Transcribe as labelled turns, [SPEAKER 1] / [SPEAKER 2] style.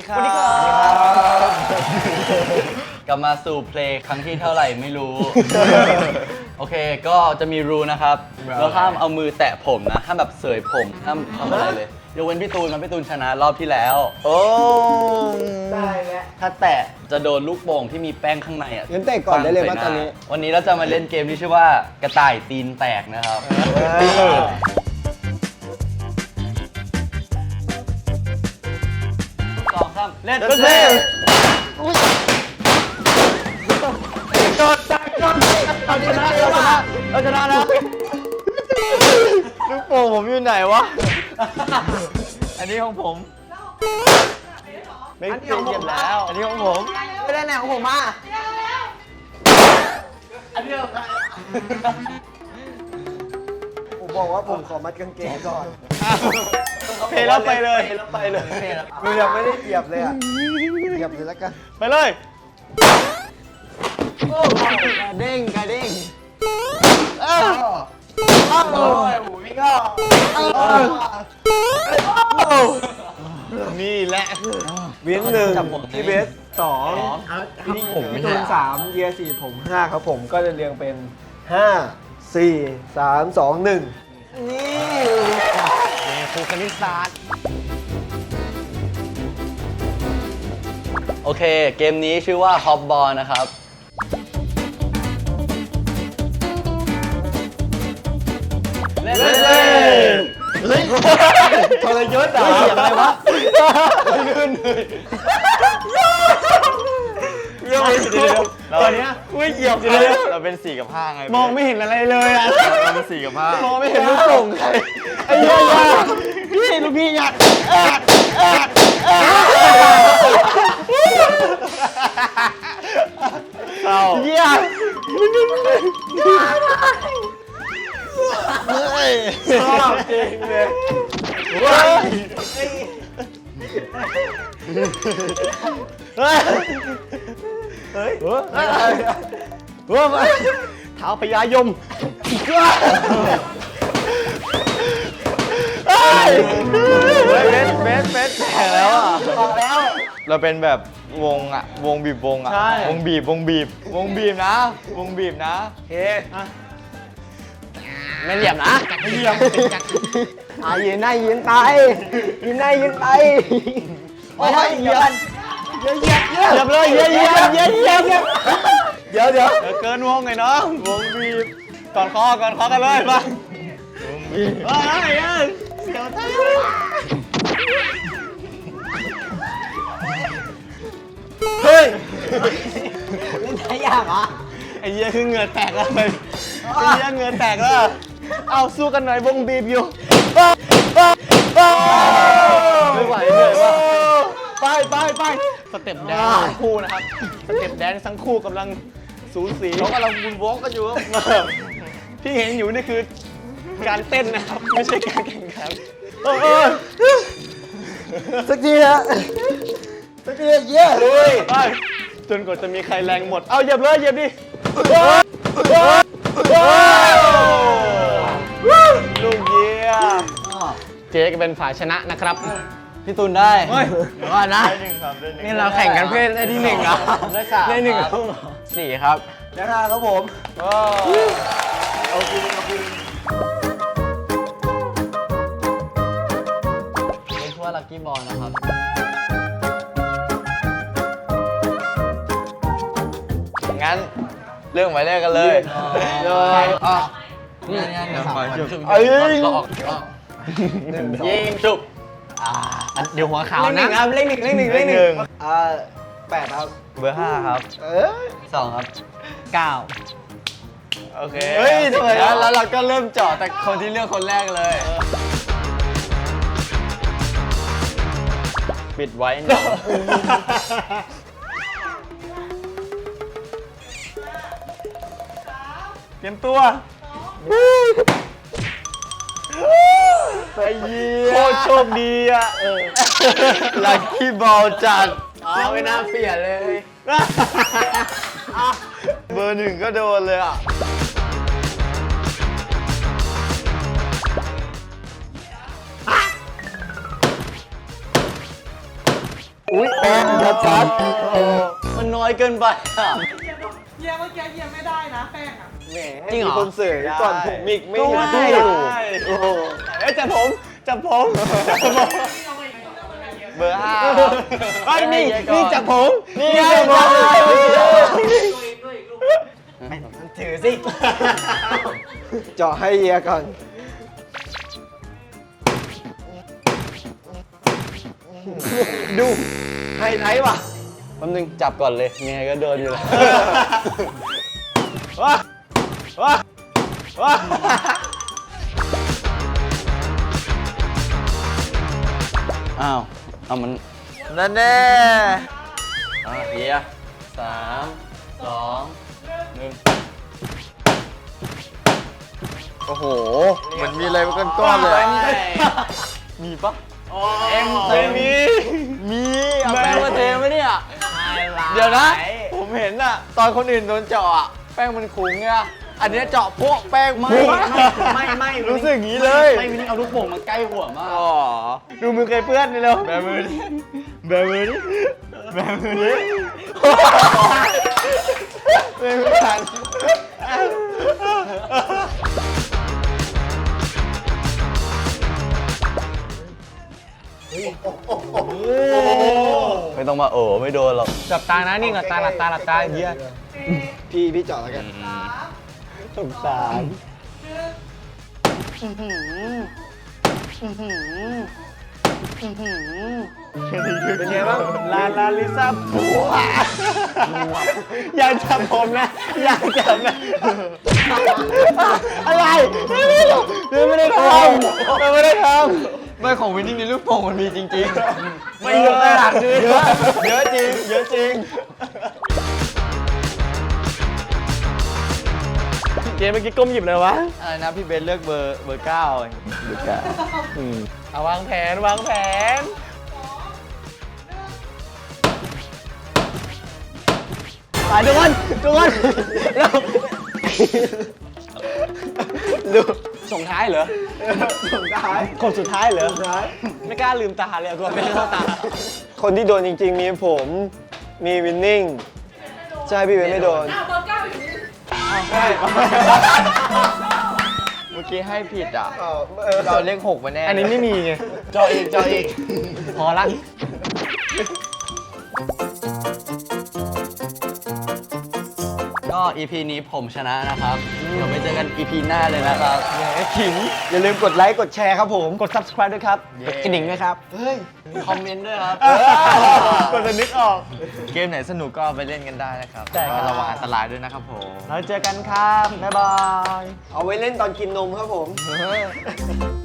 [SPEAKER 1] ครับ กลับมาสู่เพลงครั้งที่เท่าไหร่ไม่รู้ โอเคก็จะมีรูนะครับแล้วห้ามเอามือแตะผมนะห้ามแบบเสยผมห้ามทำอะไรเลยยกเว้นพี่ตูนนะพี่ตูนชนะรอบที่แล้ว
[SPEAKER 2] โอ้
[SPEAKER 3] ได้แล้ว
[SPEAKER 1] ถ้าแตะจะโดนลูกโป่งที่มีแป้งข้างในอ่ะ
[SPEAKER 3] งั้นเตะก่อนได้เลยว่าตอนนี้
[SPEAKER 1] วันนี้เราจะมาเล่นเกมที่ชื่อว่ากระต่ายตีนแตกนะครับสองครับเล่น
[SPEAKER 2] เล่น
[SPEAKER 1] เราชนะแล้ว
[SPEAKER 2] ลูกโป่งผมอยู่ไหนวะ
[SPEAKER 1] อันนี้ของผม
[SPEAKER 2] ไม่เก็บแล้ว อันนี้ของผม
[SPEAKER 3] ไม่ได้แนวของผมมา ผมบอกว่าผมขอมัดกางเกงก่อน
[SPEAKER 2] เพลแล้วไปเลย
[SPEAKER 1] ไปเลย
[SPEAKER 3] กูยังไม่ได้เหยียบเลยอ่ะเหยียบเลยแล้วกัน
[SPEAKER 2] ไปเลย
[SPEAKER 3] กระเด้งกระเด้ง
[SPEAKER 2] นี่แหละ
[SPEAKER 3] เวียงหนึ่ง
[SPEAKER 1] จับผม
[SPEAKER 3] พี่เบสสองพี่ตูนสามเยียสี่ผมห้าครับผมก็จะเรียงเป็น5 4 3 2 1นี่
[SPEAKER 2] ครูคณิตศาสตร์
[SPEAKER 1] โอเคเกมนี้ชื่อว่าฮอปบอลนะครับเล่น
[SPEAKER 2] เฮ้ยทรยศเหรอ
[SPEAKER 1] เสียงอะไรวะ
[SPEAKER 2] ตอนนี้ไม่เหยียบเลยเราเป็น4 กับ 5ไง
[SPEAKER 3] มองไม่เห็นอะไรเลยอ่ะ
[SPEAKER 2] เราเป็น4 กับ 5
[SPEAKER 3] มองไม่เห็นลูกโป่งใครไอ้เหี้ยพี่ลูกพี่หยัด
[SPEAKER 2] เศร้า
[SPEAKER 3] เหี้ย ชอบจริงเลยเฮ้ย
[SPEAKER 2] เท้าพญายมเบสแข่แล้วอ่ะ
[SPEAKER 3] บอกแล้ว
[SPEAKER 2] เราเป็นแบบวงอ่ะ วงบีบวงอ่ะ
[SPEAKER 3] ใช่
[SPEAKER 2] วงบีบนะ วงบีบนะ
[SPEAKER 3] โอเค
[SPEAKER 2] ไม่เหลี่ยมนะ ไม่เหลี่ยม
[SPEAKER 3] ยืนหน้ายืนไปยืนหน้ายืนไปโอ้ยเหยียบเหยียบเลยเหยียบเดี๋ยว
[SPEAKER 2] เกินวงไงน้อง วงบีบ ก่อนคอกันเลยมา
[SPEAKER 3] เฮ้ยเล่นได้ยากเหรอ
[SPEAKER 2] ไอ้เหี้ยคือเหงื่อแตกแล้วไอ้เหี้ยเหงื่อแตกแล้ว เอาสู้กันหน่อยวงบีบอยู่ ไม่ไหวเหนื่อยว่ะไปสเต็ปแดนซ์ทั้งคู่นะครับ สเต็ปแดนซ์ทั้งคู่กำลังสูสีเขากำลังบุนวอล์กกันอยู่ที่เห็นอยู่นี่คือการเต้นนะครับ ไม่ใช่การแข่งขัน
[SPEAKER 3] สักทีฮะสักทีเย้เลย
[SPEAKER 2] ไปจนกว่าจะมีใครแรงหมด เอาเหยียบเลยเหยียบดิลูกเยี่ยเจ๊ก็เป็นฝ่ายชนะนะครับ
[SPEAKER 1] พี่ตูนได้
[SPEAKER 2] เฮ้ย
[SPEAKER 1] เดี๋ยวก่อนนะ
[SPEAKER 2] นี่เราแข่งกันเพื่อได้ที่1เหรอ
[SPEAKER 1] ได้สาม
[SPEAKER 2] ได้1
[SPEAKER 1] ครับ
[SPEAKER 2] 4ครับ
[SPEAKER 3] แล้วครับผม
[SPEAKER 1] เอาคืนเรียกว่าลักกี้บอลนะครับ
[SPEAKER 2] งั้นเรื่องหมายเลขกันเลย
[SPEAKER 1] อ่ะนี่เดี๋ยว
[SPEAKER 2] เอ้ย
[SPEAKER 1] ยิงจุบ
[SPEAKER 2] เดี๋ยวหัวขาว
[SPEAKER 3] เลขห
[SPEAKER 2] นะ
[SPEAKER 3] นึ่งครับเลขหนึ่ง
[SPEAKER 2] เลขหนึ่ง
[SPEAKER 3] 8ครับ
[SPEAKER 2] เบอร์ 5 ครับ
[SPEAKER 1] สองครับ
[SPEAKER 2] โอเค เฮ้ยทำไมแล้วเราก็เริ่มเจาะแต่คนที่เลือกคนแรกเลย ปิดไว้เนี่ยเตรียมตัวไปเยี่ยโคตรโชคดีอ่ะลัคกี้บอลจัด
[SPEAKER 1] ไม่น่าเปลี่ยนเลย
[SPEAKER 2] เบอร์ 1ก็โดนเลยอ่ะ
[SPEAKER 3] อุ้ย
[SPEAKER 2] ชัด
[SPEAKER 1] มันน้อยเกินไปอ่ะ
[SPEAKER 4] เยี่ยเมื่อกี้เยี่ยไม่ได้นะแป้งอ่ะ
[SPEAKER 2] แหม
[SPEAKER 3] จริงเหรอ
[SPEAKER 2] มีคนเสยก่อนผมอีกไม่
[SPEAKER 3] ก็
[SPEAKER 2] เห็น
[SPEAKER 3] ว่า
[SPEAKER 2] พี่
[SPEAKER 3] อยู่
[SPEAKER 2] โอ้โหเอ้ยจับผมจับผมเบอร์ห้าไอ้ยนี่จับผมนี่ไงจับผม
[SPEAKER 3] ถือสิ เจาะให้เฮียก่อน
[SPEAKER 2] ดูไฮไลท์ว่ะ
[SPEAKER 1] แป๊บนึงจับก่อนเลยยังไงก็โดนอยู่แล้ว
[SPEAKER 2] ว้าว้าว้า
[SPEAKER 1] อ้าวเอามัน
[SPEAKER 2] นั่นแน่
[SPEAKER 1] เฮีย3 2 1
[SPEAKER 2] โอ้โหเหมือนมีอะไรมาก้อนๆเลย
[SPEAKER 1] มีปะ
[SPEAKER 2] เอ็มไม่มีมีเอา
[SPEAKER 1] แป้
[SPEAKER 2] แป้
[SPEAKER 1] ง
[SPEAKER 2] ง
[SPEAKER 1] มา
[SPEAKER 2] มา
[SPEAKER 1] เท
[SPEAKER 2] เท
[SPEAKER 1] ไหมเนี่ย
[SPEAKER 2] เดี๋ยวนะ ผมเห็นอะตอนคนอื่นโดนเจาะอะแป้งมันคุ้งไงอันเนี้ยเจาะพวกแป้ง
[SPEAKER 1] ไม่
[SPEAKER 2] รู้สึกอย่างนี้เลย
[SPEAKER 1] ไม่วินเอาลูกโป่งมาใกล้หัวมาก
[SPEAKER 2] อ๋อดูมือใครเปื้อนนี่เร็วแบมือดิแบมือดิแบมือดิแบมือทัน
[SPEAKER 1] ไม่ต้องมาโอ้ไม่โดนหรอก
[SPEAKER 2] จับตานะนี่หลับตาหลับตาหลับตาเยี่ย
[SPEAKER 3] พี่เจาะแล้วกัน
[SPEAKER 2] สงสาร เป็นไงบ้างลาลิซ่าผัวอย่าจับผมนะ อย่าจับนะ อะไรไม่ได้ทำไม่ได้ทำไม่ของวินนี่ในลูกโป่งมันมีจริงๆ ไม่เยอะขนาดนี้เยอะจริง เยอะจริง เกมเมื่อกี้ก้มหยิบเลยวะ อะไรนะพี่เบนเลือกเบอร์9เบอร์9เอาวางแผนวางแผน
[SPEAKER 3] ไปทุกคนแล้วดู
[SPEAKER 2] ส่งท้ายเหรอ
[SPEAKER 3] ส่งท้าย
[SPEAKER 2] คนสุดท้ายเหรอไม่กล้าลืมตาเลยกลัวไม่เข้าตา คนที่โดนจริงๆ มีผม มีวินนิ่ง ใช่พี่เบนไม่โดน
[SPEAKER 4] อ้าวเบอร์เก้าอยู่นี่
[SPEAKER 2] ใช่ เมื่อกี้ให้ผิดอ่ะ เราเลข6มาแน่ อันนี้ไม่มีไง จออีก พอละ
[SPEAKER 1] ก็ EP นี้ผมชนะนะครับ เดี๋ยวไปเจอกัน EP หน้าเลยนะครับ
[SPEAKER 2] ขิง
[SPEAKER 3] อย่าลืมกดไลค์กดแชร์ครับผม
[SPEAKER 2] กด subscribe ด้วยครับ
[SPEAKER 3] กดกระดิ่งด้วยครับ
[SPEAKER 1] คอมเมนต์ด้วยครับ
[SPEAKER 2] กดจะนึกออก
[SPEAKER 5] เกมไหนสนุกก็เอาไปเล่นกันได้นะครับ
[SPEAKER 2] ใช่ครับ
[SPEAKER 5] ระวังอันตรายด้วยนะครับผม
[SPEAKER 2] เราเจอกันครับ บ๊ายบาย
[SPEAKER 3] เอาไว้เล่นตอนกินนมครับผม